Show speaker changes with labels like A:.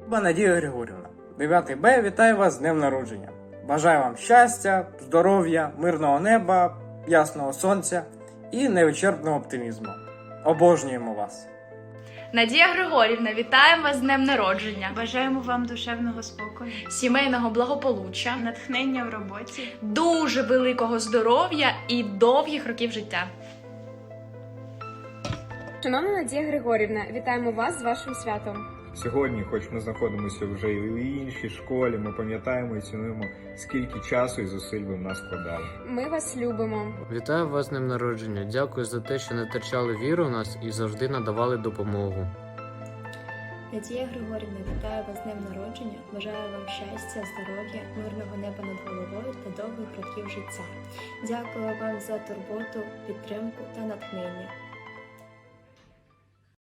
A: Надія Григорівна, 9 Б, вітаю вас з днем народження. Бажаю вам щастя, здоров'я, мирного неба, ясного сонця і невичерпного оптимізму. Обожнюємо вас!
B: Надія Григорівна, вітаємо вас з днем народження.
C: Бажаємо вам душевного спокою,
B: Сімейного благополуччя,
C: натхнення в роботі,
B: дуже великого здоров'я і довгих років життя.
D: Шановна Надія Григорівна, вітаємо вас з вашим святом.
E: Сьогодні, хоч ми знаходимося вже і в іншій школі, ми пам'ятаємо і цінуємо, скільки часу і зусиль ви в нас вкладали.
D: Ми вас любимо.
F: Вітаю вас з днем народження. Дякую за те, що не втрачали віру в нас і завжди надавали допомогу.
G: Надія Григорівна, вітаю вас з днем народження. Бажаю вам щастя, здоров'я, мирного неба над головою та довгих років життя. Дякую вам за турботу, підтримку та натхнення.